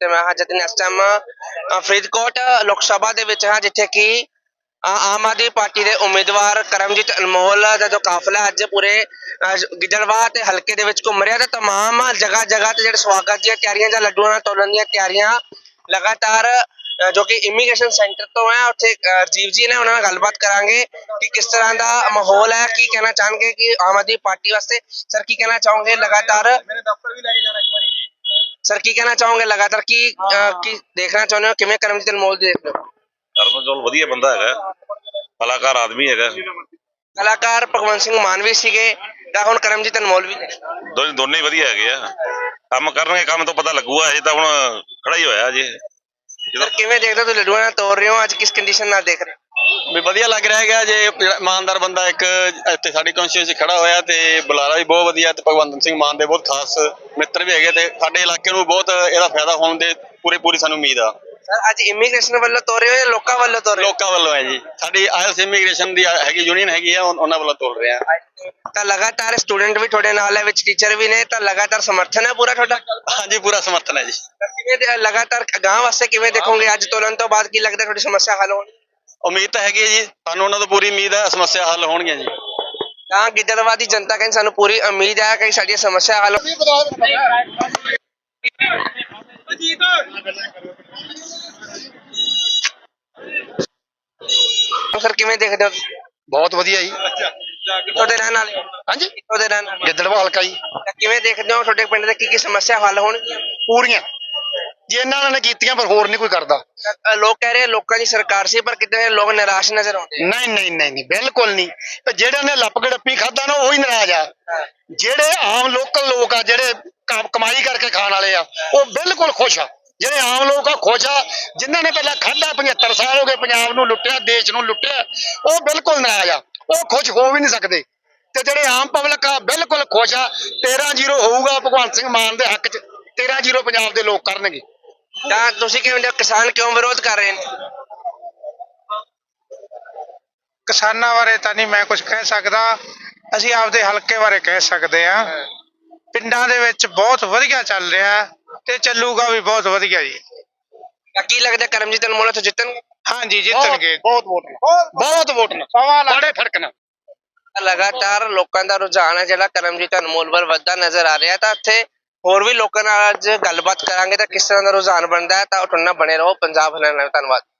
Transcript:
ਤੇ ਮੈਂ ਹਾਂ ਜਤਿਨ ਇਸ ਟਾਈਮ ਫਰੀਦਕੋਟ ਲੋਕ ਸਭਾ ਦੇ ਵਿੱਚ ਹਾਂ, ਜਿੱਥੇ ਕਿ ਆਮ ਆਦਮੀ ਪਾਰਟੀ ਦੇ ਉਮੀਦਵਾਰ ਕਰਮਜੀਤ ਅਨਮੋਲ ਦਾ ਜੋ ਕਾਫਲਾ ਅੱਜ ਪੂਰੇ ਗਿੱਦੜਬਾਹਾ ਤੇ ਹਲਕੇ ਦੇ ਵਿੱਚ ਘੁੰਮ ਰਿਹਾ ਤੇ ਤਮਾਮ ਜਗ੍ਹਾ ਜਗ੍ਹਾ ਤੇ ਜਿਹੜੇ ਸਵਾਗਤ ਦੀਆਂ ਤਿਆਰੀਆਂ ਜਾਂ ਲੱਡੂਆਂ ਨਾਲ ਤੋਲਣ ਦੀਆਂ ਤਿਆਰੀਆਂ ਲਗਾਤਾਰ ਜੋ ਕਿ ਇਮੀਗ੍ਰੇਸ਼ਨ ਸੈਂਟਰ ਤੋਂ ਹੈ। ਉੱਥੇ ਰਾਜੀਵ ਜੀ ਨੇ, ਉਹਨਾਂ ਨਾਲ ਗੱਲਬਾਤ ਕਰਾਂਗੇ ਕਿ ਕਿਸ ਤਰ੍ਹਾਂ ਦਾ ਮਾਹੌਲ ਹੈ, ਕੀ ਕਹਿਣਾ ਚਾਹਣਗੇ ਕਿ ਆਮ ਆਦਮੀ ਪਾਰਟੀ ਵਾਸਤੇ। ਸਰ ਕੀ ਕਹਿਣਾ ਚਾਹੋਗੇ ਲਗਾਤਾਰ ਸਰ ਕੀ ਕਹਿਣਾ ਚਾਹੋਗੇ ਲਗਾਤਾਰ ਕੀ ਦੇਖਣਾ ਚਾਹੁੰਦੇ ਹੋ, ਕਿਵੇਂ ਕਰਮਜੀਤ ਅਨਮੋਲ ਦੇਖਦੇ ਹੋ? ਕਰਮਜੋਲ ਵਧੀਆ ਬੰਦਾ ਹੈਗਾ, ਕਲਾਕਾਰ ਆਦਮੀ ਹੈਗਾ। ਕਲਾਕਾਰ ਭਗਵੰਤ ਸਿੰਘ ਮਾਨ ਵੀ ਸੀਗੇ ਤਾਂ ਹੁਣ ਕਰਮਜੀਤ ਅਨਮੋਲ ਵੀ ਨੇ। ਦੋਨੇ ਹੀ ਵਧੀਆ ਹੈਗੇ ਆ, ਕੰਮ ਕਰਨਗੇ, ਕੰਮ ਤੋਂ ਪਤਾ ਲੱਗੂਗਾ। ਅਜੇ ਤਾਂ ਹੁਣ ਖੜਾ ਹੀ ਹੋਇਆ ਅਜੇ। ਸਰ ਕਿਵੇਂ ਦੇਖਦੇ ਹੋ, ਤੁਸੀਂ ਲੱਡੂਆਂ ਨਾਲ ਤੋੜ ਰਹੇ ਹੋ, ਅੱਜ ਕਿਸ ਕੰਡੀਸ਼ਨ ਨਾਲ ਦੇਖ ਰਹੇ ਹੋ? ਵੀ ਵਧੀਆ ਲੱਗ ਰਿਹਾ ਹੈਗਾ ਜੇ ਇਮਾਨਦਾਰ ਬੰਦਾ ਇੱਕ ਇੱਥੇ ਸਾਡੀ ਕੌਂਸਟੀਟਿਊਂਸੀ ਖੜਾ ਹੋਇਆ ਤੇ ਬੁਲਾਰਾ ਵੀ ਬਹੁਤ ਵਧੀਆ ਤੇ ਭਗਵੰਤ ਸਿੰਘ ਮਾਨ ਦੇ ਬਹੁਤ ਖਾਸ ਮਿੱਤਰ ਵੀ ਹੈਗੇ ਤੇ ਸਾਡੇ ਇਲਾਕੇ ਨੂੰ ਬਹੁਤ ਇਹਦਾ ਫਾਇਦਾ ਹੋਣ ਦੇ ਪੂਰੀ ਸਾਨੂੰ ਉਮੀਦ ਆ। ਸਰ ਅੱਜ ਇਮੀਗ੍ਰੇਸ਼ਨ ਵੱਲੋਂ ਤੋੜ ਰਹੇ ਹੋ ਜਾਂ ਲੋਕਾਂ ਵੱਲੋਂ ਤੋੜ ਰਹੇ ਹੋ? ਲੋਕਾਂ ਵੱਲੋਂ ਹੈ ਜੀ, ਸਾਡੀ ਆਇਲਸ ਇਮੀਗ੍ਰੇਸ਼ਨ ਦੀ ਹੈਗੀ ਯੂਨੀਅਨ ਹੈਗੀ ਆ, ਉਹਨਾਂ ਵੱਲੋਂ ਤੋੜ ਰਹੇ ਆ। ਤਾਂ ਲਗਾਤਾਰ ਸਟੂਡੈਂਟ ਵੀ ਤੁਹਾਡੇ ਨਾਲ ਹੈ, ਵਿੱਚ ਟੀਚਰ ਵੀ ਨੇ, ਤਾਂ ਲਗਾਤਾਰ ਸਮਰਥਨ ਹੈ ਪੂਰਾ ਤੁਹਾਡਾ? ਹਾਂਜੀ ਪੂਰਾ ਸਮਰਥਨ ਹੈ ਜੀ। ਕਿਵੇਂ ਲਗਾਤਾਰ ਗਾਂਹ ਵਾਸਤੇ ਕਿਵੇਂ ਦੇਖੋਗੇ, ਅੱਜ ਤੋਲਣ ਤੋਂ ਬਾਅਦ ਕੀ ਲੱਗਦਾ ਤੁਹਾਡੀ ਸਮੱਸਿਆ ਹੱਲ ਹੋਣੀ? ਉਮੀਦ ਤਾਂ ਹੈਗੀ ਹੈ ਜੀ, ਸਾਨੂੰ ਉਹਨਾਂ ਤੋਂ ਪੂਰੀ ਉਮੀਦ ਹੈ ਸਮੱਸਿਆ ਹੱਲ ਹੋਣਗੀਆਂ ਜੀ। ਤਾਂ ਗਿੱਦੜਬਾਹਾ ਦੀ ਜਨਤਾ ਕਹਿੰਦੀ ਸਾਨੂੰ ਪੂਰੀ ਉਮੀਦ ਹੈ ਕਿ ਸਾਡੀਆਂ ਸਮੱਸਿਆ ਹੱਲ। ਸਰ ਕਿਵੇਂ ਦੇਖਦੇ ਹੋ? ਬਹੁਤ ਵਧੀਆ ਜੀ। ਕਿੱਥੋਂ ਦੇ ਰਹਿਣ ਵਾਲੇ? ਹਾਂਜੀ, ਕਿੱਥੋਂ ਦੇ ਰਹਿਣ ਵਾਲੇ? ਗਿੱਦੜਬਾਹਾ ਹਲਕਾ ਜੀ। ਤਾਂ ਕਿਵੇਂ ਦੇਖਦੇ ਹੋ ਤੁਹਾਡੇ ਪਿੰਡ ਦੇ ਕੀ ਸਮੱਸਿਆ ਹੱਲ ਹੋਣਗੀਆਂ? ਪੂਰੀਆਂ ਜੇ ਇਹਨਾਂ ਨੇ ਕੀਤੀਆਂ, ਪਰ ਹੋਰ ਨਹੀਂ ਕੋਈ ਕਰਦਾ। ਲੋਕ ਕਹਿ ਰਹੇ ਲੋਕਾਂ ਦੀ ਸਰਕਾਰ ਸੀ, ਪਰ ਕਿਤੇ ਲੋਕ ਨਿਰਾਸ਼ ਨਜ਼ਰ ਆਉਂਦੇ। ਨਹੀਂ, ਬਿਲਕੁਲ ਨਹੀਂ। ਤੇ ਜਿਹੜੇ ਨੇ ਲੱਪ ਗੜੱਪੀ ਖਾਦਾ ਨਾ, ਉਹੀ ਨਾਰਾਜ਼ ਆ। ਜਿਹੜੇ ਆਮ ਲੋਕਲ ਲੋਕ ਆ, ਜਿਹੜੇ ਕਮਾਈ ਕਰਕੇ ਖਾਣ ਵਾਲੇ ਆ, ਉਹ ਬਿਲਕੁਲ ਖੁਸ਼ ਆ। ਜਿਹੜੇ ਆਮ ਲੋਕ ਆ ਖੁਸ਼ ਆ। ਜਿਨ੍ਹਾਂ ਨੇ ਪਹਿਲਾਂ ਖਾਦਾ, 75 ਸਾਲ ਹੋ ਗਏ ਪੰਜਾਬ ਨੂੰ ਲੁੱਟਿਆ, ਦੇਸ਼ ਨੂੰ ਲੁੱਟਿਆ, ਉਹ ਬਿਲਕੁਲ ਨਾਰਾਜ਼ ਆ। ਉਹ ਖੁਸ਼ ਹੋ ਵੀ ਨਹੀਂ ਸਕਦੇ। ਤੇ ਜਿਹੜੇ ਆਮ ਪਬਲਿਕ ਆ ਬਿਲਕੁਲ ਖੁਸ਼ ਆ। 13-0 ਹੋਊਗਾ ਭਗਵੰਤ ਸਿੰਘ ਮਾਨ ਦੇ ਹੱਕ 'ਚ। 13-0 ਪੰਜਾਬ ਦੇ ਲੋਕ ਕਰਨਗੇ। ਤਾਂ ਤੁਸੀਂ ਕਿਵੇਂ, ਕਿਸਾਨ ਕਿਉਂ ਵਿਰੋਧ ਕਰ ਰਹੇ ਨੇ? ਕਿਸਾਨਾਂ ਬਾਰੇ ਤਾਂ ਨਹੀਂ ਮੈਂ ਕੁਝ ਕਹਿ ਸਕਦਾ। ਅਸੀਂ ਆਪਦੇ ਹਲਕੇ ਬਾਰੇ ਕਹਿ ਸਕਦੇ ਹਾਂ। ਪਿੰਡਾਂ ਦੇ ਵਿੱਚ ਬਹੁਤ ਵਧੀਆ ਚੱਲ ਰਿਹਾ ਤੇ ਚੱਲੂਗਾ ਵੀ ਬਹੁਤ ਵਧੀਆ ਜੀ। ਤਾਂ ਕੀ ਲੱਗਦਾ ਕਰਮਜੀਤ ਅਨਮੋਲ ਤੋਂ ਜਿੱਤਣਗੇ? ਹਾਂਜੀ ਜਿੱਤਣਗੇ। ਬਹੁਤ ਵੋਟ ਨਾਲ ਬੜੇ ਫਰਕ ਨਾਲ। ਲਗਾਤਾਰ ਲੋਕਾਂ ਦਾ ਰੁਝਾਨ ਹੈ ਜਿਹੜਾ ਕਰਮਜੀਤ ਅਨਮੋਲ ਵੱਲ ਵੱਧਦਾ ਨਜ਼ਰ ਆ ਰਿਹਾ। ਤਾਂ ਇੱਥੇ ਹੋਰ ਵੀ ਲੋਕਾਂ ਨਾਲ ਅੱਜ ਗੱਲਬਾਤ ਕਰਾਂਗੇ ਤਾਂ ਕਿਸ ਤਰ੍ਹਾਂ ਦਾ ਰੁਝਾਨ ਬਣਦਾ ਹੈ। ਤਾਂ ਉਹ ਟੁੰਨਾ ਬਣੇ ਰਹੋ ਪੰਜਾਬ ਹਰਿਆਣਾ ਨਾਲ। ਧੰਨਵਾਦ।